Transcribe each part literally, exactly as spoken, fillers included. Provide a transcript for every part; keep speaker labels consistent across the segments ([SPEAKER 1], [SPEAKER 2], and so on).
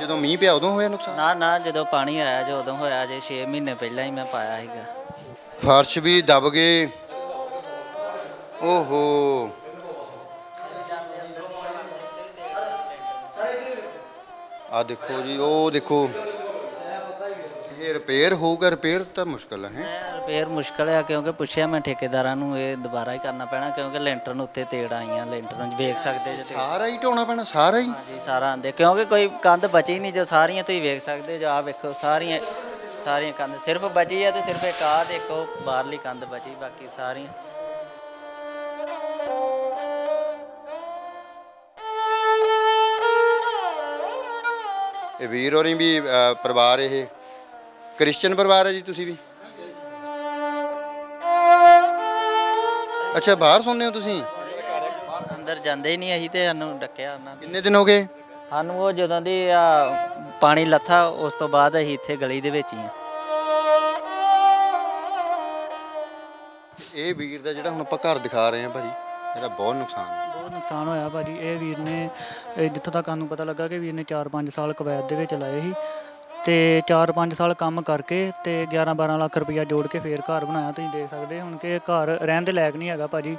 [SPEAKER 1] ਜਦੋਂ ਮੀਂਹ ਪਿਆ ਉਦੋਂ ਹੋਇਆ ਨੁਕਸਾਨ?
[SPEAKER 2] ਨਾ ਨਾ ਜਦੋਂ ਪਾਣੀ ਆਇਆ ਜੋ ਉਦੋਂ ਹੋਇਆ ਜੇ ਛੇ ਮਹੀਨੇ ਪਹਿਲਾਂ ਹੀ ਮੈਂ ਪਾਇਆ ਸੀਗਾ।
[SPEAKER 1] ਫਰਸ਼ ਵੀ ਦਬ ਗਏ। ਓਹੋ। ਆ ਦੇਖੋ ਜੀ, ਉਹ ਦੇਖੋ, ਇਹ ਰਿਪੇਅਰ ਹੋਊਗਾ? ਰਿਪੇਅਰ ਤਾਂ ਮੁਸ਼ਕਲ ਹੈ।
[SPEAKER 2] ਰਿਪੇਅਰ ਮੁਸ਼ਕਲ ਆ ਕਿਉਂਕਿ ਪੁੱਛਿਆ ਮੈਂ ਠੇਕੇਦਾਰਾਂ ਨੂੰ, ਇਹ ਦੁਬਾਰਾ ਹੀ ਕਰਨਾ ਪੈਣਾ ਕਿਉਂਕਿ ਲੈਂਟਰ ਨੂੰ ਉੱਤੇ ਤੇੜ ਆਈਆਂ। ਲੈਂਟਰ ਨੂੰ ਵੇਖ ਸਕਦੇ ਜੇ।
[SPEAKER 1] ਸਾਰਾ ਹੀ ਢਾਉਣਾ ਪੈਣਾ, ਸਾਰਾ ਹੀ?
[SPEAKER 2] ਹਾਂਜੀ ਸਾਰਾ ਆਂਦੇ ਕਿਉਂਕਿ ਕੋਈ ਕੰਧ ਬਚੀ ਨਹੀਂ ਜੋ ਸਾਰੀਆਂ ਤੁਸੀਂ ਵੇਖ ਸਕਦੇ ਜੋ। ਆ ਵੇਖੋ ਸਾਰੀਆਂ ਸਾਰੀਆਂ ਕੰਧ ਸਿਰਫ ਬਚੀ ਆ ਤੇ ਸਿਰਫ ਇੱਕ ਆਹ ਤੇ ਇੱਕ ਉਹ ਬਾਹਰਲੀ ਕੰਧ ਬਚੀ, ਬਾਕੀ ਸਾਰੀਆਂ।
[SPEAKER 1] ਇਹ ਵੀਰ ਹੋਰੀ ਵੀ ਅਹ, ਪਰਿਵਾਰ ਇਹ ਕ੍ਰਿਸਚਨ ਪਰਿਵਾਰ ਹੈ ਜੀ? ਤੁਸੀਂ ਵੀ? ਅੱਛਾ, ਬਾਹਰ ਸੌਂਦੇ ਹੋ ਤੁਸੀਂ?
[SPEAKER 2] ਅੰਦਰ ਜਾਂਦੇ ਹੀ ਨਹੀਂ ਅਸੀਂ ਤੇ ਸਾਨੂੰ ਡੱਕਿਆ ਉਹਨਾਂ ਨੇ।
[SPEAKER 1] ਕਿੰਨੇ ਦਿਨ ਹੋ ਗਏ?
[SPEAKER 2] ਸਾਨੂੰ ਉਹ ਜਦੋਂ ਦੀ ਆ ਪਾਣੀ ਲੱਥਾ ਉਸ ਤੋਂ ਬਾਅਦ ਅਸੀਂ ਇੱਥੇ ਗਲੀ ਦੇ ਵਿੱਚ ਹੀ ਆ।
[SPEAKER 1] ਇਹ ਵੀਰ ਦਾ ਜਿਹੜਾ ਹੁਣ ਆਪਾਂ ਘਰ ਦਿਖਾ ਰਹੇ ਹਾਂ ਭਾਜੀ, ਇਹਦਾ ਬਹੁਤ ਨੁਕਸਾਨ ਹੈ।
[SPEAKER 3] ਬਹੁਤ ਨੁਕਸਾਨ ਹੋਇਆ ਭਾਜੀ। ਇਹ ਵੀਰ ਨੇ ਇਹ ਜਿੱਥੋਂ ਤੱਕ ਸਾਨੂੰ ਪਤਾ ਲੱਗਾ ਕਿ ਵੀਰ ਨੇ ਚਾਰ ਪੰਜ ਸਾਲ ਕੁਵੈਤ ਦੇ ਵਿੱਚ ਲਾਏ ਸੀ ਤੇ ਚਾਰ ਪੰਜ ਸਾਲ ਕੰਮ ਕਰਕੇ ਤੇ ਗਿਆਰਾਂ ਬਾਰਾਂ ਲੱਖ ਰੁਪਈਆ ਜੋੜ ਕੇ ਫੇਰ ਘਰ ਬਣਾਇਆ। ਤੁਸੀਂ ਦੇਖ ਸਕਦੇ ਹੁਣ ਕਿ ਇਹ ਘਰ ਰਹਿਣ ਦੇ ਲਾਇਕ ਨਹੀਂ ਹੈਗਾ ਭਾਜੀ।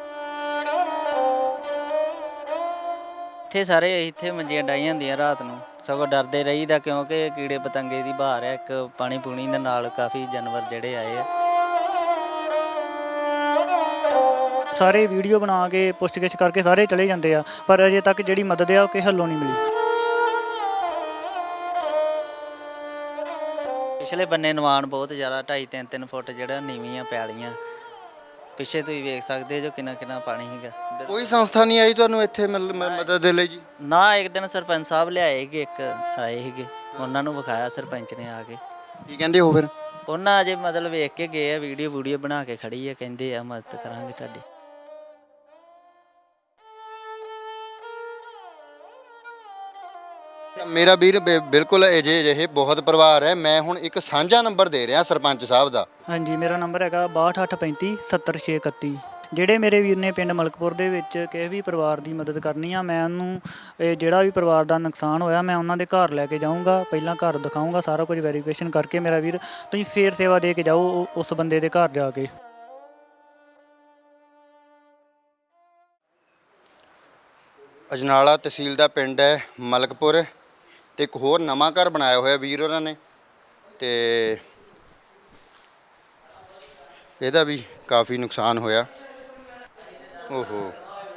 [SPEAKER 2] ਇੱਥੇ ਸਾਰੇ ਇੱਥੇ ਮੰਜੀਆਂ ਡਾਈਆਂ ਹੁੰਦੀਆਂ ਰਾਤ ਨੂੰ, ਸਗੋਂ ਡਰਦੇ ਰਹੀਦਾ ਕਿਉਂਕਿ ਕੀੜੇ ਪਤੰਗੇ ਦੀ ਬਹਾਰ ਹੈ। ਇੱਕ ਪਾਣੀ ਪੂਣੀ ਦੇ ਨਾਲ ਕਾਫੀ ਜਾਨਵਰ ਜਿਹੜੇ ਆਏ ਆ।
[SPEAKER 3] ਸਾਰੇ ਵੀਡੀਓ ਬਣਾ ਕੇ ਪੁੱਛਗਿੱਛ ਕਰਕੇ ਸਾਰੇ ਚਲੇ ਜਾਂਦੇ ਆ, ਪਰ ਅਜੇ ਤੱਕ ਜਿਹੜੀ ਮਦਦ ਆ ਉਹ ਕਿਸੇ ਹੱਲੋਂ ਨਹੀਂ ਮਿਲੀ।
[SPEAKER 2] ਪਿਛਲੇ ਬੰਨੇ ਨਿਵਾਨ ਬਹੁਤ ਜ਼ਿਆਦਾ, ਢਾਈ ਤਿੰਨ ਤਿੰਨ ਫੁੱਟ ਜਿਹੜਾ ਨੀਵੀਆਂ ਪੈਲੀਆਂ। ਪਿੱਛੇ ਤੁਸੀਂ ਵੇਖ ਸਕਦੇ ਜੋ ਕਿੰਨਾ ਕਿੰਨਾ ਪਾਣੀ ਸੀਗਾ।
[SPEAKER 1] ਕੋਈ ਸੰਸਥਾ ਨਹੀਂ ਆਈ ਤੁਹਾਨੂੰ ਇੱਥੇ ਮਿਲ- ਮ- ਮਦਦ ਦੇ ਲਈ ਜੀ?
[SPEAKER 2] ਨਾ, ਇੱਕ ਦਿਨ ਸਰਪੰਚ ਸਾਹਿਬ ਲਿਆਏ ਸੀਗੇ, ਇੱਕ ਆਏ ਸੀਗੇ, ਉਹਨਾਂ ਨੂੰ ਵਿਖਾਇਆ ਸਰਪੰਚ ਨੇ ਆ ਕੇ।
[SPEAKER 1] ਕੀ ਕਹਿੰਦੇ ਹੋ ਫਿਰ?
[SPEAKER 2] ਉਹਨਾਂ ਅਜੇ ਮਤਲਬ ਵੇਖ ਕੇ ਗਏ ਆ, ਵੀਡੀਓ ਵੀਡੀਓ ਬਣਾ ਕੇ ਖੜੀ ਆ, ਕਹਿੰਦੇ ਆ ਮਦਦ ਕਰਾਂਗੇ ਤੁਹਾਡੀ।
[SPEAKER 1] ਮੇਰਾ ਵੀਰ ਬਿ- ਬਿਲਕੁਲ ਅਜੇ ਅਜਿਹੇ ਬਹੁਤ ਪਰਿਵਾਰ ਹੈ। ਮੈਂ ਹੁਣ ਇੱਕ ਸਾਂਝਾ ਨੰਬਰ ਦੇ ਰਿਹਾ ਸਰਪੰਚ ਸਾਹਿਬ ਦਾ।
[SPEAKER 3] ਹਾਂਜੀ, ਮੇਰਾ ਨੰਬਰ ਹੈਗਾ ਬਾਹਠ ਅੱਠ ਪੈਂਤੀ ਸੱਤਰ ਛੇ ਇਕੱਤੀ। ਜਿਹੜੇ ਮੇਰੇ ਵੀਰ ਨੇ ਪਿੰਡ ਮਲਕਪੁਰ ਦੇ ਵਿੱਚ ਕਿਸੇ ਵੀ ਪਰਿਵਾਰ ਦੀ ਮਦਦ ਕਰਨੀ ਆ, ਮੈਂ ਉਹਨੂੰ ਇਹ ਜਿਹੜਾ ਵੀ ਪਰਿਵਾਰ ਦਾ ਨੁਕਸਾਨ ਹੋਇਆ ਮੈਂ ਉਹਨਾਂ ਦੇ ਘਰ ਲੈ ਕੇ ਜਾਊਂਗਾ। ਪਹਿਲਾਂ ਘਰ ਦਿਖਾਊਂਗਾ, ਸਾਰਾ ਕੁਝ ਵੈਰੀਫਿਕੇਸ਼ਨ ਕਰਕੇ ਮੇਰਾ ਵੀਰ ਤੁਸੀਂ ਫੇਰ ਸੇਵਾ ਦੇ ਕੇ ਜਾਓ ਉਹ- ਉਸ ਬੰਦੇ ਦੇ ਘਰ ਜਾ ਕੇ।
[SPEAKER 1] ਅਜਨਾਲਾ ਤਹਿਸੀਲ ਦਾ ਪਿੰਡ ਹੈ ਮਲਕਪੁਰ, ਤੇ ਇੱਕ ਹੋਰ ਨਵਾਂ ਘਰ ਬਣਾਇਆ ਹੋਇਆ ਵੀਰ ਉਹਨਾਂ ਨੇ, ਤੇ ਇਹਦਾ ਵੀ ਕਾਫੀ ਨੁਕਸਾਨ ਹੋਇਆ। ਓਹੋ,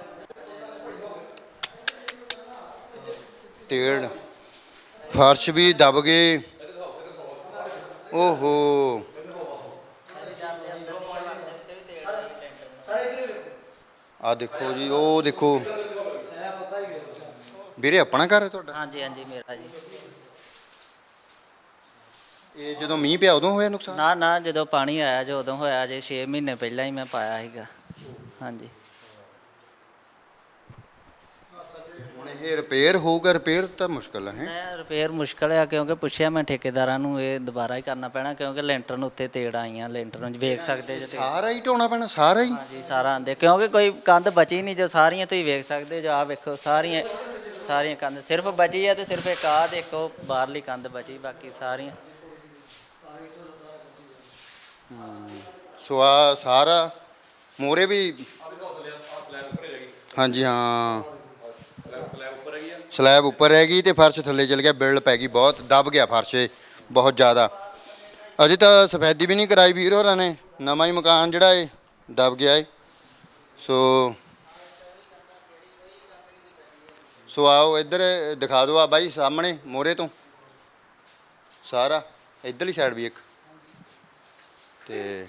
[SPEAKER 1] ਤੇੜ, ਫਰਸ਼ ਵੀ ਦਬ ਗਏ। ਓਹੋ, ਆ ਦੇਖੋ ਜੀ, ਉਹ ਦੇਖੋ। ਵੀਰੇ ਆਪਣਾ ਘਰ ਹੈ ਤੁਹਾਡਾ?
[SPEAKER 2] ਹਾਂਜੀ ਹਾਂਜੀ ਮੇਰਾ ਜੀ।
[SPEAKER 1] ਇਹ ਜਦੋਂ ਮੀਂਹ ਪਿਆ ਉਦੋਂ ਹੋਇਆ ਨੁਕਸਾਨ?
[SPEAKER 2] ਨਾ ਨਾ ਜਦੋਂ ਪਾਣੀ ਆਇਆ ਜੋ ਉਦੋਂ ਹੋਇਆ ਜੇ ਛੇ ਮਹੀਨੇ ਪਹਿਲਾਂ ਹੀ ਮੈਂ ਪਾਇਆ ਸੀਗਾ। ਹਾਂਜੀ।
[SPEAKER 1] ਹੁਣ ਇਹ ਰਿਪੇਅਰ ਹੋਊਗਾ? ਰਿਪੇਅਰ ਤਾਂ ਮੁਸ਼ਕਲ ਹੈ।
[SPEAKER 2] ਮੈਂ ਰਿਪੇਅਰ ਮੁਸ਼ਕਲ ਆ ਕਿਉਂਕਿ ਪੁੱਛਿਆ ਮੈਂ ਠੇਕੇਦਾਰਾਂ ਨੂੰ, ਇਹ ਦੁਬਾਰਾ ਹੀ ਕਰਨਾ ਪੈਣਾ ਕਿਉਂਕਿ ਲੈਂਟਰ ਨੂੰ ਉੱਤੇ ਤੇੜ ਆਈਆਂ। ਲੈਂਟਰ ਨੂੰ ਵੇਖ ਸਕਦੇ ਜੇ।
[SPEAKER 1] ਸਾਰਾ ਹੀ ਢਾਉਣਾ ਪੈਣਾ, ਸਾਰਾ ਹੀ?
[SPEAKER 2] ਹਾਂਜੀ ਸਾਰਾ ਆਂਦੇ ਕਿਉਂਕਿ ਕੋਈ ਕੰਧ ਬਚੀ ਨਹੀਂ ਜੋ ਸਾਰੀਆਂ ਤੁਸੀਂ ਵੇਖ ਸਕਦੇ ਜੋ। ਆ ਵੇਖੋ ਸਾਰੀਆਂ ਸਾਰੀਆਂ ਕੰਧ ਸਿਰਫ ਬਚੀ ਆ ਤੇ ਸਿਰਫ ਇੱਕ ਆਹ ਤੇ ਇੱਕ ਉਹ ਬਾਹਰਲੀ ਕੰਧ ਬਚੀ, ਬਾਕੀ ਸਾਰੀਆਂ।
[SPEAKER 1] ਸੋ ਆ ਸਾਰਾ ਮੋਰੇ ਵੀ, ਹਾਂਜੀ ਹਾਂ, ਸਲੈਬ ਉੱਪਰ ਰਹਿ ਗਈ ਤੇ ਫਰਸ਼ ਥੱਲੇ ਚਲ ਗਿਆ। ਬਿਲਡ ਪੈ ਗਈ, ਬਹੁਤ ਦਬ ਗਿਆ ਫਰਸ਼ ਬਹੁਤ ਜ਼ਿਆਦਾ। ਅਜੇ ਤਾਂ ਸਫੈਦੀ ਵੀ ਨਹੀਂ ਕਰਾਈ ਵੀਰ ਹੋਰਾਂ ਨੇ, ਨਵਾਂ ਹੀ ਮਕਾਨ ਜਿਹੜਾ ਇਹ ਦਬ ਗਿਆ ਏ। ਸੋ ਸੋ ਆਓ ਇੱਧਰ ਦਿਖਾ ਦਿਓ। ਆ ਬਾਈ ਸਾਹਮਣੇ ਮੋਰੇ ਤੋਂ ਸਾਰਾ ਇੱਧਰਲੀ ਸਾਈਡ ਵੀ ਇੱਕ, ਤੇ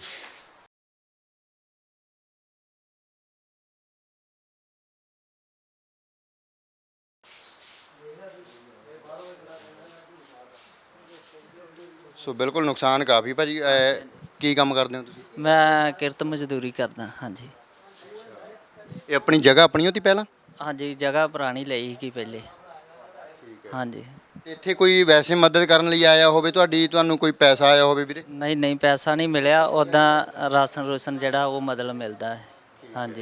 [SPEAKER 1] ਸੋ ਬਿਲਕੁਲ ਨੁਕਸਾਨ ਕਾਫੀ ਭਾਜੀ। ਅਹ ਕੀ ਕੰਮ ਕਰਦੇ ਹੋ ਤੁਸੀਂ?
[SPEAKER 2] ਮੈਂ ਕਿਰਤ ਮਜ਼ਦੂਰੀ ਕਰਦਾ। ਹਾਂਜੀ।
[SPEAKER 1] ਇਹ ਆਪਣੀ ਜਗ੍ਹਾ ਆਪਣੀ ਹੋਤੀ ਪਹਿਲਾਂ?
[SPEAKER 2] ਹਾਂਜੀ ਜਗ੍ਹਾ ਪੁਰਾਣੀ ਲਈ ਸੀ ਪਹਿਲੇ। ਹਾਂਜੀ।
[SPEAKER 1] ਤੇ ਇੱਥੇ ਕੋਈ ਵੈਸੇ ਮਦਦ ਕਰਨ ਲਈ ਆਇਆ ਹੋਵੇ ਤੁਹਾਡੀ, ਤੁਹਾਨੂੰ ਕੋਈ ਪੈਸਾ ਆਇਆ ਹੋਵੇ ਵੀਰੇ?
[SPEAKER 2] ਨਹੀਂ ਨਹੀਂ ਪੈਸਾ ਨਹੀਂ ਮਿਲਿਆ, ਉੱਦਾਂ ਰਾਸ਼ਨ ਰੂਸ਼ਨ ਜਿਹੜਾ ਉਹ ਮਤਲਬ ਮਿਲਦਾ ਹੈ। ਹਾਂਜੀ।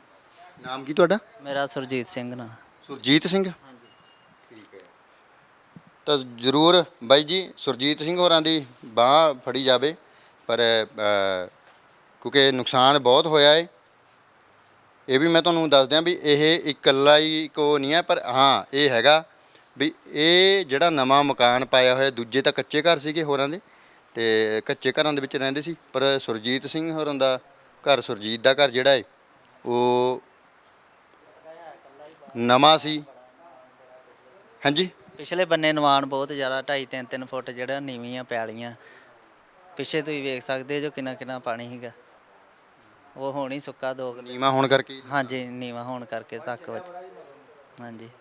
[SPEAKER 1] ਨਾਮ ਕੀ ਤੁਹਾਡਾ?
[SPEAKER 2] ਮੇਰਾ ਸੁਰਜੀਤ ਸਿੰਘ ਨਾ।
[SPEAKER 1] ਸੁਰਜੀਤ ਸਿੰਘ।
[SPEAKER 2] ਹਾਂਜੀ।
[SPEAKER 1] ਠੀਕ ਹੈ। ਤਾਂ ਜ਼ਰੂਰ ਬਾਈ ਜੀ ਸੁਰਜੀਤ ਸਿੰਘ ਹੋਰਾਂ ਦੀ ਬਾਂਹ ਫੜੀ ਜਾਵੇ। ਪਰ ਅ, ਕਿਉਂਕਿ ਨੁਕਸਾਨ ਬਹੁਤ ਹੋਇਆ ਹੈ। ਇਹ ਵੀ ਮੈਂ ਤੁਹਾਨੂੰ ਦੱਸ ਦਿਆਂ ਵੀ ਇਹ ਇਕੱਲਾ ਹੀ ਕੋ ਨਹੀਂ ਹੈ, ਪਰ ਹਾਂ ਇਹ ਹੈਗਾ ਵੀ ਇਹ ਜਿਹੜਾ ਨਵਾਂ ਮਕਾਨ ਪਾਇਆ ਹੋਇਆ, ਦੂਜੇ ਤਾਂ ਕੱਚੇ ਘਰ ਸੀਗੇ ਹੋਰਾਂ ਦੇ, ਤੇ ਕੱਚੇ ਘਰਾਂ ਦੇ ਵਿੱਚ ਰਹਿੰਦੇ ਸੀ, ਪਰ ਸੁਰਜੀਤ ਸਿੰਘ ਹੋਰਾਂ ਦਾ ਘਰ, ਸੁਰਜੀਤ ਦਾ ਘਰ ਜਿਹੜਾ ਹੈ ਉਹ ਨਵਾਂ ਸੀ। ਹਾਂਜੀ
[SPEAKER 2] ਪਿਛਲੇ ਬੰਨੇ ਨਿਵਾਣ ਬਹੁਤ ਜ਼ਿਆਦਾ, ਢਾਈ ਤਿੰਨ ਤਿੰਨ ਫੁੱਟ ਜਿਹੜਾ ਨੀਵੀਆਂ ਪੈਲੀਆਂ ਪਿੱਛੇ ਤੁਸੀਂ ਵੇਖ ਸਕਦੇ ਜੋ ਕਿੰਨਾ ਕਿੰਨਾ ਪਾਣੀ ਸੀਗਾ। ਉਹ ਹੁਣ ਹੀ ਸੁੱਕਾ ਦੋ ਕੁ-
[SPEAKER 1] ਨੀਵਾਂ ਹੋਣ ਕਰਕੇ
[SPEAKER 2] ਹਾਂਜੀ ਨੀਵਾ ਹੋਣ ਕਰਕੇ ਤੱਕ ਵਿੱਚ। ਹਾਂਜੀ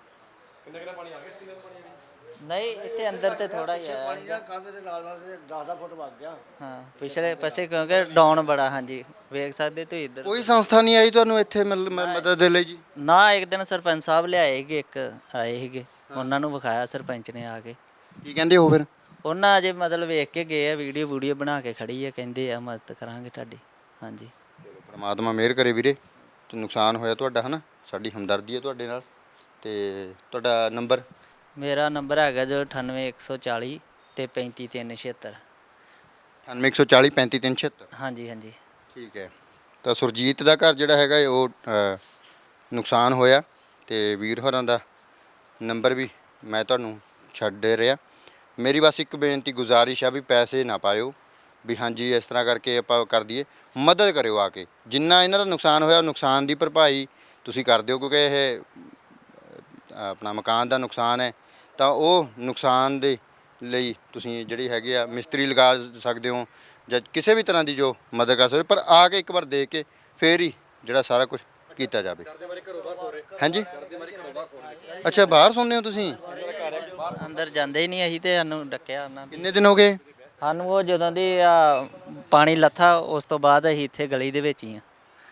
[SPEAKER 2] ਨਹੀਂ ਇੱਥੇ ਅੰਦਰ ਤੇ ਥੋੜਾ ਹੀ ਆਇਆ
[SPEAKER 4] ਕੰਧ ਦੇ ਨਾਲ ਨਾਲ ਦਸ ਦਸ ਫੁੱਟ ਵੱਗ ਗਿਆ।
[SPEAKER 2] ਹਾਂ ਪਿਛਲੇ ਪਾਸੇ ਕਿਉਂਕਿ ਡਾਊਨ ਬੜਾ। ਹਾਂਜੀ ਵੇਖ ਸਕਦੇ ਤੁਸੀਂ ਇੱਧਰ।
[SPEAKER 1] ਕੋਈ ਸੰਸਥਾ ਨਹੀਂ ਆਈ ਤੁਹਾਨੂੰ ਇੱਥੇ ਮਤਲਬ ਮ- ਮਦਦ ਦੇ ਲਈ ਜੀ?
[SPEAKER 2] ਨਾ ਇੱਕ ਦਿਨ ਸਰਪੰਚ ਸਾਹਿਬ ਲਿਆਏ ਸੀਗੇ, ਇੱਕ ਆਏ ਸੀਗੇ, ਉਹਨਾਂ ਨੂੰ ਵਿਖਾਇਆ ਸਰਪੰਚ ਨੇ ਆ ਕੇ।
[SPEAKER 1] ਕੀ ਕਹਿੰਦੇ ਹੋ ਫਿਰ?
[SPEAKER 2] ਉਹਨਾਂ ਅਜੇ ਮਤਲਬ ਵੇਖ ਕੇ ਗਏ ਆ, ਵੀਡੀਓ ਵੀਡੀਓ ਬਣਾ ਕੇ ਖੜੀ ਆ, ਕਹਿੰਦੇ ਆ ਮਦਦ ਕਰਾਂਗੇ ਤੁਹਾਡੀ। ਹਾਂਜੀ
[SPEAKER 1] ਪਰਮਾਤਮਾ ਮਿਹਰ ਕਰੇ ਵੀਰੇ, ਤੇ ਨੁਕਸਾਨ ਹੋਇਆ ਤੁਹਾਡਾ ਹੈ ਨਾ, ਸਾਡੀ ਹਮਦਰਦੀ ਹੈ ਤੁਹਾਡੇ ਨਾਲ। ਤੇ ਤੁਹਾਡਾ ਨੰਬਰ?
[SPEAKER 2] ਮੇਰਾ ਨੰਬਰ ਹੈਗਾ ਜੋ ਅਠਾਨਵੇਂ ਇੱਕ ਸੌ ਚਾਲੀ ਤੇ ਪੈਂਤੀ ਤਿੰਨ ਛਿਹੱਤਰ।
[SPEAKER 1] ਅਠਾਨਵੇਂ ਇੱਕ ਸੌ ਚਾਲੀ ਪੈਂਤੀ ਤਿੰਨ ਛਿਹੱਤਰ।
[SPEAKER 2] ਹਾਂਜੀ ਹਾਂਜੀ
[SPEAKER 1] ਠੀਕ ਹੈ। ਤਾਂ ਸੁਰਜੀਤ ਦਾ ਘਰ ਜਿਹੜਾ ਹੈਗਾ ਹੈ ਉਹ ਅ, ਨੁਕਸਾਨ ਹੋਇਆ, ਤੇ ਵੀਰ ਹੋਰਾਂ ਦਾ ਨੰਬਰ ਵੀ ਮੈਂ ਤੁਹਾਨੂੰ ਛੱਡ ਦੇ ਰਿਹਾ। ਮੇਰੀ ਬਸ ਇੱਕ ਬੇਨਤੀ ਗੁਜ਼ਾਰਿਸ਼ ਆ ਵੀ ਪੈਸੇ ਨਾ ਪਾਇਓ, ਵੀ ਹਾਂਜੀ ਇਸ ਤਰ੍ਹਾਂ ਕਰਕੇ ਆਪਾਂ ਕਰ ਦਈਏ, ਮਦਦ ਕਰਿਓ ਆ ਕੇ। ਜਿੰਨਾ ਇਹਨਾਂ ਦਾ ਨੁਕਸਾਨ ਹੋਇਆ ਨੁਕਸਾਨ ਦੀ ਭਰਪਾਈ ਤੁਸੀਂ ਕਰ ਦਿਓ, ਕਿਉਂਕਿ ਇਹ ਆਪਣਾ ਮਕਾਨ ਦਾ ਨੁਕਸਾਨ ਹੈ, ਤਾਂ ਉਹ ਨੁਕਸਾਨ ਦੇ ਲਈ ਤੁਸੀਂ ਜਿਹੜੀ ਹੈਗੀ ਆ ਮਿਸਤਰੀ ਲਗਾ ਸਕਦੇ ਹੋ, ਜਾਂ ਕਿਸੇ ਵੀ ਤਰ੍ਹਾਂ ਦੀ ਜੋ ਮਦਦ ਕਰ ਸਕਦੇ, ਪਰ ਆ ਕੇ ਇੱਕ ਵਾਰ ਦੇਖ ਕੇ ਫੇਰ ਹੀ ਜਿਹੜਾ ਸਾਰਾ ਕੁਝ ਕੀਤਾ ਜਾਵੇ। ਹਾਂਜੀ ਅੱਛਾ, ਬਾਹਰ ਸੌਂਦੇ ਹੋ ਤੁਸੀਂ?
[SPEAKER 2] ਅੰਦਰ ਜਾਂਦੇ ਹੀ ਨਹੀਂ ਅਸੀਂ, ਤੇ ਸਾਨੂੰ ਡੱਕਿਆ ਉਹਨਾਂ ਨੇ।
[SPEAKER 1] ਕਿੰਨੇ ਦਿਨ ਹੋ ਗਏ?
[SPEAKER 2] ਸਾਨੂੰ ਉਹ ਜਦੋਂ ਦੀ ਆ ਪਾਣੀ ਲੱਥਾ ਉਸ ਤੋਂ ਬਾਅਦ ਅਸੀਂ ਇੱਥੇ ਗਲੀ ਦੇ ਵਿੱਚ ਹੀ ਆ।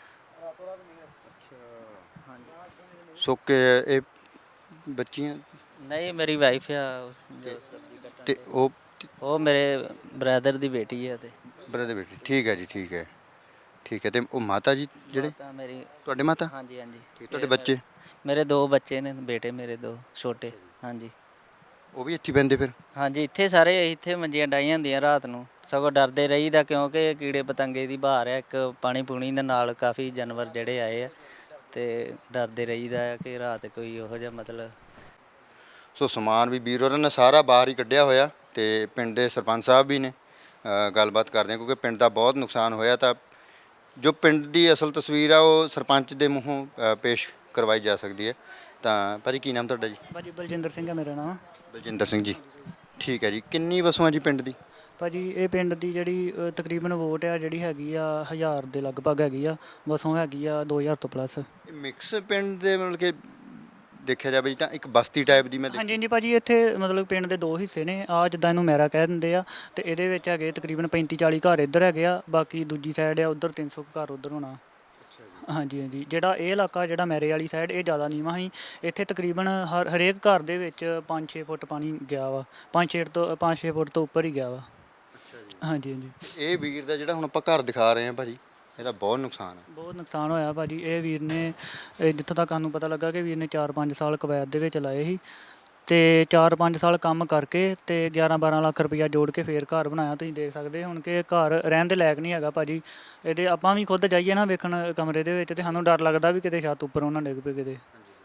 [SPEAKER 1] ਸੁੱਕੇ ਇਹ ਬੱਚੀਆਂ
[SPEAKER 2] ਨਹੀਂ ਮੇਰੀ ਵਾਈਫ ਆ ਜੋ ਸਬਜ਼ੀ ਕੱਟਣ
[SPEAKER 1] ਤੇ
[SPEAKER 2] ਡਈ।
[SPEAKER 1] ਉਹ
[SPEAKER 2] ਉਹ ਮੇਰੇ ਬ੍ਰਦਰ ਦੀ ਬੇਟੀ ਹੈ ਤੇ
[SPEAKER 1] ਬਰਦਰ ਬੇਟੀ। ਠੀਕ ਹੈ ਜੀ, ਠੀਕ ਹੈ ਠੀਕ ਹੈ। ਤੇ ਉਹ ਮਾਤਾ ਜੀ ਜਿਹੜੇ
[SPEAKER 2] ਮਾਤਾ ਮੇਰੀ।
[SPEAKER 1] ਤੁਹਾਡੇ ਮਾਤਾ?
[SPEAKER 2] ਹਾਂਜੀ ਹਾਂਜੀ
[SPEAKER 1] ਠੀਕ, ਤੁਹਾਡੇ ਬੱਚੇ?
[SPEAKER 2] ਮੇਰੇ ਦੋ ਬੱਚੇ ਨੇ, ਬੇਟੇ ਮੇਰੇ ਦੋ ਛੋਟੇ। ਹਾਂਜੀ
[SPEAKER 1] ਉਹ ਵੀ ਇੱਥੇ ਬਹਿੰਦੇ ਫਿਰ?
[SPEAKER 2] ਹਾਂਜੀ ਇੱਥੇ ਸਾਰੇ ਇੱਥੇ ਮੰਜੀਆਂ ਡਾਈਆਂ ਹੁੰਦੀਆਂ ਰਾਤ ਨੂੰ, ਸਗੋਂ ਡਰਦੇ ਰਹੀਦਾ ਕਿਉਂਕਿ ਕੀੜੇ ਪਤੰਗੇ ਦੀ ਬਹਾਰ ਹੈ, ਇੱਕ ਪਾਣੀ ਪੂਣੀ ਦੇ ਨਾਲ ਕਾਫੀ ਜਾਨਵਰ ਜਿਹੜੇ ਆਏ ਆ, ਤੇ ਡਰਦੇ ਰਹੀਦਾ ਹੈ ਕਿ ਰਾਤ ਕੋਈ ਉਹੋ ਜਿਹਾ ਮਤਲਬ।
[SPEAKER 1] ਸੋ ਸਮਾਨ ਵੀ ਵੀਰ ਹੋਰਾਂ ਨੇ ਸਾਰਾ ਬਾਹਰ ਹੀ ਕੱਢਿਆ ਹੋਇਆ, ਤੇ ਪਿੰਡ ਦੇ ਸਰਪੰਚ ਸਾਹਿਬ ਵੀ ਨੇ। ਅ, ਗੱਲਬਾਤ ਕਰਦੇ ਹਾਂ, ਕਿਉਂਕਿ ਪਿੰਡ ਦਾ ਬਹੁਤ ਨੁਕਸਾਨ ਹੋਇਆ, ਤਾਂ ਜੋ ਪਿੰਡ ਦੀ ਅਸਲ ਤਸਵੀਰ ਆ ਉਹ ਸਰਪੰਚ ਦੇ ਮੂੰਹੋਂ ਅ, ਪੇਸ਼ ਕਰਵਾਈ ਜਾ ਸਕਦੀ ਹੈ। ਤਾਂ ਭਾਜੀ ਕੀ ਨਾਮ ਤੁਹਾਡਾ ਜੀ?
[SPEAKER 3] ਭਾਜੀ ਬਲਜਿੰਦਰ ਸਿੰਘ ਹੈ ਮੇਰਾ ਨਾਮ।
[SPEAKER 1] ਬਲਜਿੰਦਰ ਸਿੰਘ ਜੀ, ਠੀਕ ਹੈ ਜੀ। ਕਿੰਨੀ ਵਸੋਂ ਆ ਜੀ ਪਿੰਡ ਦੀ?
[SPEAKER 3] ਭਾਜੀ ਇਹ ਪਿੰਡ ਦੀ ਜਿਹੜੀ ਅ, ਤਕਰੀਬਨ ਵੋਟ ਆ ਜਿਹੜੀ ਹੈਗੀ ਆ ਹਜ਼ਾਰ ਦੇ ਲਗਭਗ ਹੈਗੀ ਆ, ਵਸੋਂ ਹੈਗੀ ਆ ਦੋ ਹਜ਼ਾਰ ਤੋਂ ਪਲੱਸ।
[SPEAKER 1] ਇਹ ਮਿਕਸ ਪਿੰਡ ਦੇ ਮਤਲਬ ਕਿ ਦੇਖਿਆ ਜਾਵੇ ਜੀ ਤਾਂ ਇੱਕ ਬਸਤੀ ਟਾਈਪ ਦੀ ਮੈਂ
[SPEAKER 3] ਹਾਂਜੀ
[SPEAKER 1] ਦੇਖੀ।
[SPEAKER 3] ਹਾਂਜੀ ਭਾਜੀ ਇੱਥੇ ਮਤਲਬ ਪਿੰਡ ਦੇ ਦੋ ਹਿੱਸੇ ਨੇ, ਆ ਜਿੱਦਾਂ ਇਹਨੂੰ ਮੈਰਾ ਕਹਿ ਦਿੰਦੇ ਆ, ਤੇ ਇਹਦੇ ਵਿੱਚ ਹੈਗੇ ਤਕਰੀਬਨ ਪੈਂਤੀ ਚਾਲੀ ਘਰ ਇੱਧਰ ਹੈਗੇ ਆ, ਬਾਕੀ ਦੂਜੀ ਸਾਈਡ ਆ ਉੱਧਰ ਤਿੰਨ ਸੌ ਘਰ ਉੱਧਰ ਹੋਣਾ। ਹਾਂਜੀ ਹਾਂਜੀ ਜਿਹੜਾ ਇਹ ਇਲਾਕਾ ਜਿਹੜਾ ਮੈਰੇ ਵਾਲੀ ਸਾਈਡ ਇਹ ਜ਼ਿਆਦਾ ਨੀਵਾਂ ਸੀ, ਇੱਥੇ ਤਕਰੀਬਨ ਹਰ ਹਰੇਕ ਘਰ ਦੇ ਵਿੱਚ ਪੰਜ ਛੇ ਫੁੱਟ ਪਾਣੀ ਗਿਆ ਵਾ, ਪੰਜ ਛੇ ਤੋਂ ਪੰਜ ਛੇ ਫੁੱਟ ਤੋਂ ਉੱਪਰ ਹੀ ਗਿਆ ਵਾ। ਹਾਂਜੀ ਹਾਂਜੀ
[SPEAKER 1] ਇਹ ਵੀਰ ਦਾ ਜਿਹੜਾ ਹੁਣ ਆਪਾਂ ਘਰ ਦਿਖਾ ਰਹੇ ਹਾਂ ਭਾਜੀ, ਇਹਦਾ ਬਹੁਤ ਨੁਕਸਾਨ ਹੈ।
[SPEAKER 3] ਬਹੁਤ ਨੁਕਸਾਨ ਹੋਇਆ ਭਾਜੀ। ਇਹ ਵੀਰ ਨੇ ਇਹ ਜਿੱਥੋਂ ਤੱਕ ਸਾਨੂੰ ਪਤਾ ਲੱਗਾ ਕਿ ਵੀਰ ਨੇ ਚਾਰ ਪੰਜ ਸਾਲ ਕੁਵੈਤ ਦੇ ਵਿੱਚ ਲਾਏ ਸੀ, ਤੇ ਚਾਰ ਪੰਜ ਸਾਲ ਕੰਮ ਕਰਕੇ ਤੇ ਗਿਆਰਾਂ ਬਾਰਾਂ ਲੱਖ ਰੁਪਈਆ ਜੋੜ ਕੇ ਫੇਰ ਘਰ ਬਣਾਇਆ। ਤੁਸੀਂ ਦੇਖ ਸਕਦੇ ਹੁਣ ਕਿ ਘਰ ਰਹਿਣ ਦੇ ਲਾਇਕ ਨਹੀਂ ਹੈਗਾ ਭਾਜੀ। ਇਹਦੇ ਆਪਾਂ ਵੀ ਖੁਦ ਜਾਈਏ ਨਾ ਵੇਖਣ ਕਮਰੇ ਦੇ ਵਿੱਚ, ਤੇ ਸਾਨੂੰ ਡਰ ਲੱਗਦਾ ਵੀ ਕਿਤੇ ਛੱਤ ਉੱਪਰੋਂ ਨਾ ਡਿੱਗ ਪਏ ਕਿਤੇ।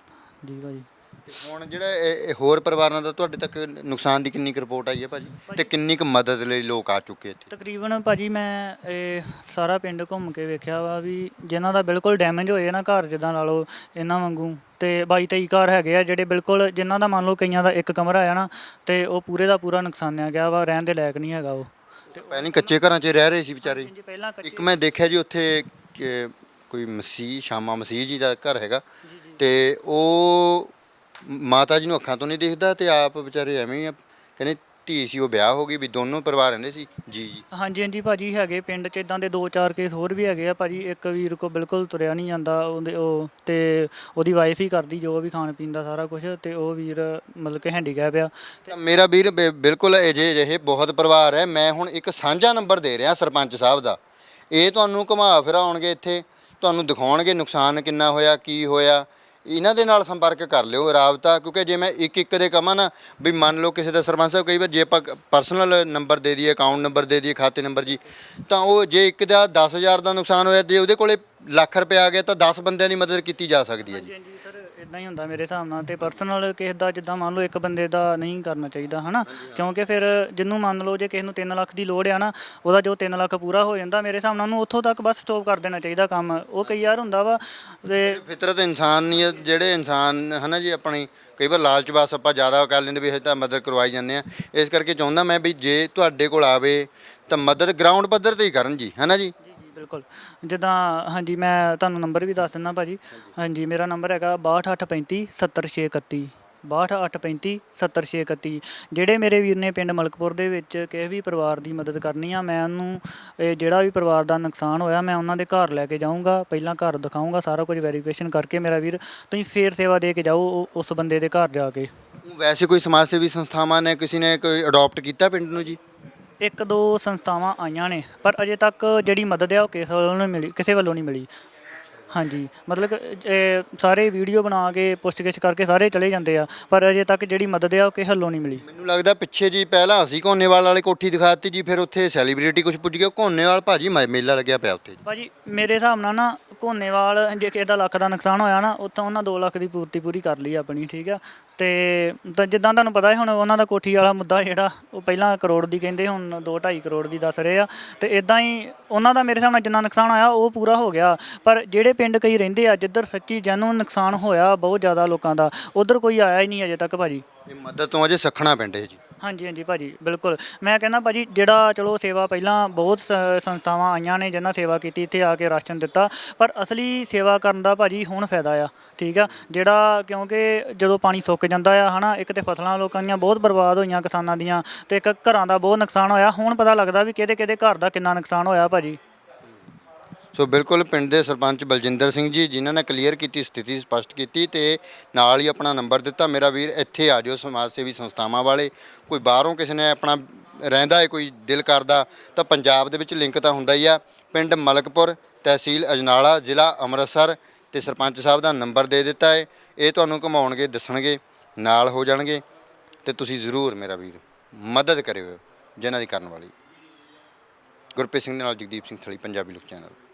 [SPEAKER 3] ਜੀ ਭਾਜੀ
[SPEAKER 1] ਤੇ ਹੁਣ ਜਿਹੜਾ ਇਹ ਇਹ ਹੋਰ ਪਰਿਵਾਰਾਂ ਦਾ ਤੁਹਾਡੇ ਤੱਕ ਨੁਕਸਾਨ ਦੀ ਕਿੰਨੀ ਕੁ ਰਿਪੋਰਟ ਆਈ ਹੈ ਭਾਜੀ, ਤੇ ਕਿੰਨੀ ਕੁ ਮਦਦ ਲਈ ਲੋਕ ਆ ਚੁੱਕੇ ਇੱਥੇ?
[SPEAKER 3] ਤਕਰੀਬਨ ਭਾਜੀ ਮੈਂ ਇਹ ਸਾਰਾ ਪਿੰਡ ਘੁੰਮ ਕੇ ਵੇਖਿਆ ਵਾ ਵੀ ਜਿਨ੍ਹਾਂ ਦਾ ਬਿਲਕੁਲ ਡੈਮੇਜ ਹੋਏ ਨਾ ਘਰ, ਜਿੱਦਾਂ ਲਾ ਲਓ ਇਹਨਾਂ ਵਾਂਗੂ, ਤੇ ਬਾਈ ਤੇਈ ਘਰ ਹੈਗੇ ਆ ਜਿਹੜੇ ਬਿਲਕੁਲ, ਜਿਨ੍ਹਾਂ ਦਾ ਮੰਨ ਲਓ ਕਈਆਂ ਦਾ ਇੱਕ ਕਮਰਾ ਆ ਨਾ, ਤੇ ਉਹ ਪੂਰੇ ਦਾ ਪੂਰਾ ਨੁਕਸਾਨਿਆ ਗਿਆ ਵਾ, ਰਹਿਣ ਦੇ ਲਾਇਕ ਨਹੀਂ ਹੈਗਾ ਉਹ।
[SPEAKER 1] ਪਹਿਲਾਂ ਕੱਚੇ ਘਰਾਂ 'ਚ ਰਹਿ ਰਹੇ ਸੀ ਵਿਚਾਰੇ।
[SPEAKER 3] ਜੀ ਪਹਿਲਾਂ ਕੱਚੇ-
[SPEAKER 1] ਇੱਕ ਮੈਂ ਦੇਖਿਆ ਜੀ ਉੱਥੇ ਕਿ ਕੋਈ ਮਸੀਹ, ਸ਼ਾਮਾ ਮਸੀਹ ਜੀ ਦਾ ਘਰ ਹੈਗਾ, ਤੇ ਉਹ ਮਾਤਾ ਜੀ ਨੂੰ ਅੱਖਾਂ ਤੋਂ ਨਹੀਂ ਦਿਖਦਾ, ਤੇ ਆਪ ਵਿਚਾਰੇ ਐਵੇਂ ਹੀ ਆ, ਕਹਿੰਦੇ ਧੀ ਸੀ ਉਹ ਵਿਆਹ ਹੋ ਗਈ, ਵੀ ਦੋਨੋਂ ਪਰਿਵਾਰ ਰਹਿੰਦੇ ਸੀ ਜੀ ਜੀ।
[SPEAKER 3] ਹਾਂਜੀ ਹਾਂਜੀ ਭਾਜੀ ਹੈਗੇ ਪਿੰਡ 'ਚ ਇਦਾਂ ਦੇ ਦੋ ਚਾਰ ਕੇਸ ਹੋਰ ਵੀ ਹੈਗੇ ਆ ਭਾਜੀ। ਇੱਕ ਵੀਰ ਕੋ ਬਿਲਕੁਲ ਤੁਰਿਆ ਨਹੀਂ ਜਾਂਦਾ, ਉਹਦੇ ਉਹ ਤੇ ਉਹਦੀ ਵਾਈਫ ਹੀ ਕਰਦੀ ਜੋ ਵੀ ਖਾਣ ਪੀਣ ਦਾ ਸਾਰਾ ਕੁਝ, ਤੇ ਉਹ ਵੀਰ ਮਤਲਬ ਕਿ ਹੈਂਡੀਕੈਪ ਆ।
[SPEAKER 1] ਤਾਂ ਮੇਰਾ ਵੀਰ ਬਿ- ਬਿਲਕੁਲ ਅਜੇ ਅਜਿਹੇ ਬਹੁਤ ਪਰਿਵਾਰ ਹੈ। ਮੈਂ ਹੁਣ ਇੱਕ ਸਾਂਝਾ ਨੰਬਰ ਦੇ ਰਿਹਾ ਸਰਪੰਚ ਸਾਹਿਬ ਦਾ, ਇਹ ਤੁਹਾਨੂੰ ਘੁਮਾ ਫਿਰਾਉਣਗੇ ਇੱਥੇ, ਤੁਹਾਨੂੰ ਦਿਖਾਉਣਗੇ ਨੁਕਸਾਨ ਕਿੰਨਾ ਹੋਇਆ, ਕੀ ਹੋਇਆ। ਇਹਨਾਂ ਦੇ ਨਾਲ ਸੰਪਰਕ ਕਰ ਲਿਓ ਰਾਬਤਾ, ਕਿਉਂਕਿ ਜੇ ਮੈਂ ਇੱਕ ਇੱਕ ਦੇ ਕਹਾਂ ਨਾ ਵੀ ਮੰਨ ਲਓ ਕਿਸੇ ਦਾ ਸਰਪੰਚ ਸਾਹਿਬ ਕਈ ਵਾਰ ਜੇ ਆਪਾਂ ਪਰਸਨਲ ਨੰਬਰ ਦੇ ਦਈਏ, ਅਕਾਊਂਟ ਨੰਬਰ ਦੇ ਦਈਏ, ਖਾਤੇ ਨੰਬਰ ਜੀ, ਤਾਂ ਉਹ ਜੇ ਇੱਕ ਦਾ ਦਸ ਹਜ਼ਾਰ ਦਾ ਨੁਕਸਾਨ ਹੋਇਆ, ਜੇ ਉਹਦੇ ਕੋਲੇ ਲੱਖ ਰੁਪਏ ਆ ਗਿਆ ਤਾਂ ਦਸ ਬੰਦਿਆਂ ਦੀ ਮਦਦ ਕੀਤੀ ਜਾ ਸਕਦੀ ਹੈ ਜੀ।
[SPEAKER 3] ਹਾਂਜੀ ਸਰ, ਇਦਾਂ ਹੀ ਹੁੰਦਾ ਮੇਰੇ ਹਿਸਾਬ ਨਾਲ। ਤੇ ਪਰਸਨਲ ਕਿਸੇ ਦਾ ਜਿੱਦਾਂ ਮੰਨ ਲਓ ਇੱਕ ਬੰਦੇ ਦਾ ਨਹੀਂ ਕਰਨਾ ਚਾਹੀਦਾ ਹਨਾ, ਕਿਉਂਕਿ ਫਿਰ ਜਿਹਨੂੰ ਮੰਨ ਲਓ ਜੇ ਕਿਸੇ ਨੂੰ ਤਿੰਨ ਲੱਖ ਦੀ ਲੋੜ ਆ ਨਾ, ਉਹਦਾ ਜੋ ਤਿੰਨ ਲੱਖ ਪੂਰਾ ਹੋ ਜਾਂਦਾ ਮੇਰੇ ਹਿਸਾਬ ਨਾਲ ਉਹਨੂੰ ਉੱਥੋਂ ਤੱਕ ਬਸ ਸਟੋਪ ਕਰ ਦੇਣਾ ਚਾਹੀਦਾ ਕੰਮ। ਉਹ ਕਈ ਵਾਰ ਹੁੰਦਾ ਵਾ ਤੇ
[SPEAKER 1] ਫਿਤਰਤ ਇਨਸਾਨੀਅਤ, ਜਿਹੜੇ ਇਨਸਾਨ ਹਨਾ ਜੀ ਆਪਣੀ ਕਈ ਵਾਰ ਲਾਲਚ ਬਸ ਆਪਾਂ ਜ਼ਿਆਦਾ ਕਰ ਲੈਂਦੇ ਵੀ ਅਸੀਂ ਤਾਂ ਮਦਦ ਕਰਵਾਈ ਜਾਂਦੇ ਆ। ਇਸ ਕਰਕੇ ਚਾਹੁੰਦਾ ਮੈਂ ਵੀ ਜੇ ਤੁਹਾਡੇ ਕੋਲ ਆਵੇ ਤਾਂ ਮਦਦ ਗਰਾਊਂਡ ਪੱਧਰ ਤੇ ਹੀ ਕਰਨ ਜੀ, ਹੈ ਨਾ ਜੀ।
[SPEAKER 3] ਜੀ ਜੀ ਬਿਲਕੁਲ। ਜਿੱਦਾਂ ਹਾਂਜੀ ਮੈਂ ਤੁਹਾਨੂੰ ਨੰਬਰ ਵੀ ਦੱਸ ਦਿੰਦਾ ਭਾਜੀ। ਹਾਂਜੀ ਮੇਰਾ ਨੰਬਰ ਹੈਗਾ ਬਾਹਠ ਅੱਠ ਪੈਂਤੀ ਸੱਤਰ ਛੇ ਇਕੱਤੀ, ਬਾਹਠ ਅੱਠ ਪੈਂਤੀ ਸੱਤਰ ਛੇ ਇਕੱਤੀ। ਜਿਹੜੇ ਮੇਰੇ ਵੀਰ ਨੇ ਪਿੰਡ ਮਲਕਪੁਰ ਦੇ ਵਿੱਚ ਕਿਸੇ ਵੀ ਪਰਿਵਾਰ ਦੀ ਮਦਦ ਕਰਨੀ ਆ, ਮੈਂ ਉਹਨੂੰ ਇਹ ਜਿਹੜਾ ਵੀ ਪਰਿਵਾਰ ਦਾ ਨੁਕਸਾਨ ਹੋਇਆ ਮੈਂ ਉਹਨਾਂ ਦੇ ਘਰ ਲੈ ਕੇ ਜਾਊਂਗਾ, ਪਹਿਲਾਂ ਘਰ ਦਿਖਾਊਂਗਾ, ਸਾਰਾ ਕੁਝ ਵੈਰੀਫਿਕੇਸ਼ਨ ਕਰਕੇ ਮੇਰਾ ਵੀਰ ਤੁਸੀਂ ਫੇਰ ਸੇਵਾ ਦੇ ਕੇ ਜਾਓ ਉਹ- ਉਸ ਬੰਦੇ ਦੇ ਘਰ ਜਾ ਕੇ।
[SPEAKER 1] ਵੈਸੇ ਕੋਈ ਸਮਾਜ ਸੇਵੀ ਸੰਸਥਾਵਾਂ ਨੇ ਕਿਸੇ ਨੇ ਕੋਈ ਅਡਾਪਟ ਕੀਤਾ ਪਿੰਡ ਨੂੰ ਜੀ?
[SPEAKER 3] ਇੱਕ ਦੋ ਸੰਸਥਾਵਾਂ ਆਈਆਂ ਨੇ ਪਰ ਅਜੇ ਤੱਕ ਜਿਹੜੀ ਮਦਦ ਆ ਉਹ ਕਿਸੇ ਵੱਲੋਂ ਨਹੀਂ ਮਿਲੀ, ਕਿਸੇ ਵੱਲੋਂ ਨਹੀਂ ਮਿਲੀ। ਹਾਂਜੀ ਮਤਲਬ ਕਿ ਇਹ ਸਾਰੇ ਵੀਡੀਓ ਬਣਾ ਕੇ ਪੁੱਛਗਿੱਛ ਕਰਕੇ ਸਾਰੇ ਚਲੇ ਜਾਂਦੇ ਆ, ਪਰ ਅਜੇ ਤੱਕ ਜਿਹੜੀ ਮਦਦ ਆ ਉਹ ਕਿਸੇ ਵੱਲੋਂ ਨਹੀਂ ਮਿਲੀ।
[SPEAKER 1] ਮੈਨੂੰ ਲੱਗਦਾ ਪਿੱਛੇ ਜੀ ਪਹਿਲਾਂ ਅਸੀਂ ਘੋਨੇਵਾਲ ਵਾਲੇ ਕੋਠੀ ਦਿਖਾਤੀ ਜੀ, ਫਿਰ ਉੱਥੇ ਸੈਲੀਬ੍ਰਿਟੀ ਕੁਝ ਪੁੱਜ ਗਿਆ, ਘੋਨੇਵਾਲ ਭਾਜੀ ਮ- ਮੇਲਾ ਲੱਗਿਆ ਪਿਆ ਉੱਥੇ ਜੀ।
[SPEAKER 3] ਭਾਜੀ ਮੇਰੇ ਹਿਸਾਬ ਨਾਲ ਨਾ ਘੋਨੇਵਾਲ ਜੇ ਕਿਸੇ ਦਾ ਲੱਖ ਦਾ ਨੁਕਸਾਨ ਹੋਇਆ ਨਾ, ਉੱਥੋਂ ਉਹਨਾਂ ਦੋ ਲੱਖ ਦੀ ਪੂਰਤੀ ਪੂਰੀ ਕਰ ਲਈ ਆਪਣੀ, ਠੀਕ ਆ। ਤੇ ਤਾਂ ਜਿੱਦਾਂ ਤੁਹਾਨੂੰ ਪਤਾ ਹੈ ਹੁਣ ਉਹਨਾਂ ਦਾ ਕੋਠੀ ਵਾਲਾ ਮੁੱਦਾ ਜਿਹੜਾ ਉਹ ਪਹਿਲਾਂ ਕਰੋੜ ਦੀ ਕਹਿੰਦੇ, ਹੁਣ ਦੋ ਢਾਈ ਕਰੋੜ ਦੀ ਦੱਸ ਰਹੇ ਆ। ਤੇ ਇਦਾਂ ਹੀ ਉਹਨਾਂ ਦਾ ਮੇਰੇ ਹਿਸਾਬ ਨਾਲ ਜਿੰਨਾ ਨੁਕਸਾਨ ਹੋਇਆ ਉਹ ਪੂਰਾ ਹੋ ਗਿਆ। ਪਰ ਜਿਹੜੇ ਪਿੰਡ ਕਈ ਰਹਿੰਦੇ ਆ ਜਿੱਧਰ ਸੱਚੀ ਜੈਨੂਨ ਨੁਕਸਾਨ ਹੋਇਆ ਬਹੁਤ ਜ਼ਿਆਦਾ ਲੋਕਾਂ ਦਾ, ਉਧਰ ਕੋਈ ਆਇਆ ਹੀ ਨਹੀਂ ਅਜੇ ਤੱਕ ਭਾਜੀ।
[SPEAKER 1] ਇਹ ਮਦਦ ਤੋਂ ਅਜੇ ਸੱਖਣਾ ਪਿੰਡ ਹੈ ਜੀ।
[SPEAKER 3] ਹਾਂਜੀ ਹਾਂਜੀ ਭਾਜੀ ਬਿਲਕੁਲ। ਮੈਂ ਕਹਿੰਦਾ ਭਾਜੀ ਜਿਹੜਾ ਚਲੋ ਸੇਵਾ ਪਹਿਲਾਂ ਬਹੁਤ ਸ- ਸੰਸਥਾਵਾਂ ਆਈਆਂ ਨੇ ਜਿਨ੍ਹਾਂ ਸੇਵਾ ਕੀਤੀ, ਇੱਥੇ ਆ ਕੇ ਰਾਸ਼ਨ ਦਿੱਤਾ, ਪਰ ਅਸਲੀ ਸੇਵਾ ਕਰਨ ਦਾ ਭਾਜੀ ਹੁਣ ਫਾਇਦਾ ਆ, ਠੀਕ ਆ। ਜਿਹੜਾ ਕਿਉਂਕਿ ਜਦੋਂ ਪਾਣੀ ਸੁੱਕ ਜਾਂਦਾ ਆ ਹਨਾ, ਇੱਕ ਤੇ ਫਸਲਾਂ ਲੋਕਾਂ ਦੀਆਂ ਬਹੁਤ ਬਰਬਾਦ ਹੋਈਆਂ ਕਿਸਾਨਾਂ ਦੀਆਂ, ਤੇ ਇੱਕ ਘਰਾਂ ਦਾ ਬਹੁਤ ਨੁਕਸਾਨ ਹੋਇਆ। ਹੁਣ ਪਤਾ ਲੱਗਦਾ ਵੀ ਕਿਹਦੇ ਕਿਹਦੇ ਘਰ ਦਾ ਕਿੰਨਾ ਨੁਕਸਾਨ ਹੋਇਆ ਭਾਜੀ।
[SPEAKER 1] ਸੋ ਬਿਲਕੁਲ ਪਿੰਡ ਦੇ ਸਰਪੰਚ ਬਲਜਿੰਦਰ ਸਿੰਘ ਜੀ ਜਿਨ੍ਹਾਂ ਨੇ ਕਲੀਅਰ ਕੀਤੀ, ਸਥਿਤੀ ਸਪਸ਼ਟ ਕੀਤੀ ਤੇ ਨਾਲ ਹੀ ਆਪਣਾ ਨੰਬਰ ਦਿੱਤਾ। ਮੇਰਾ ਵੀਰ ਇੱਥੇ ਆ ਜਾਓ, ਸਮਾਜ ਸੇਵੀ ਸੰਸਥਾਵਾਂ ਵਾਲੇ, ਕੋਈ ਬਾਹਰੋਂ ਕਿਸੇ ਨੇ ਆਪਣਾ ਰਹਿੰਦਾ ਹੈ, ਕੋਈ ਦਿਲ ਕਰਦਾ ਤਾਂ ਪੰਜਾਬ ਦੇ ਵਿੱਚ ਲਿੰਕ ਤਾਂ ਹੁੰਦਾ ਹੀ ਆ। ਪਿੰਡ ਮਲਕਪੁਰ, ਤਹਿਸੀਲ ਅਜਨਾਲਾ, ਜ਼ਿਲ੍ਹਾ ਅੰਮ੍ਰਿਤਸਰ, ਤੇ ਸਰਪੰਚ ਸਾਹਿਬ ਦਾ ਨੰਬਰ ਦੇ ਦਿੱਤਾ ਹੈ। ਇਹ ਤੁਹਾਨੂੰ ਘੁਮਾਉਣਗੇ, ਦੱਸਣਗੇ, ਨਾਲ ਹੋ ਜਾਣਗੇ, ਤੇ ਤੁਸੀਂ ਜ਼ਰੂਰ ਮੇਰਾ ਵੀਰ ਮਦਦ ਕਰਿਓ ਜਿਨ੍ਹਾਂ ਦੀ ਕਰਨ ਵਾਲੀ। ਗੁਰਪ੍ਰੀਤ ਸਿੰਘ ਦੇ ਨਾਲ ਜਗਦੀਪ ਸਿੰਘ ਥਲੀ, ਪੰਜਾਬੀ ਲੋਕ ਚੈਨਲ।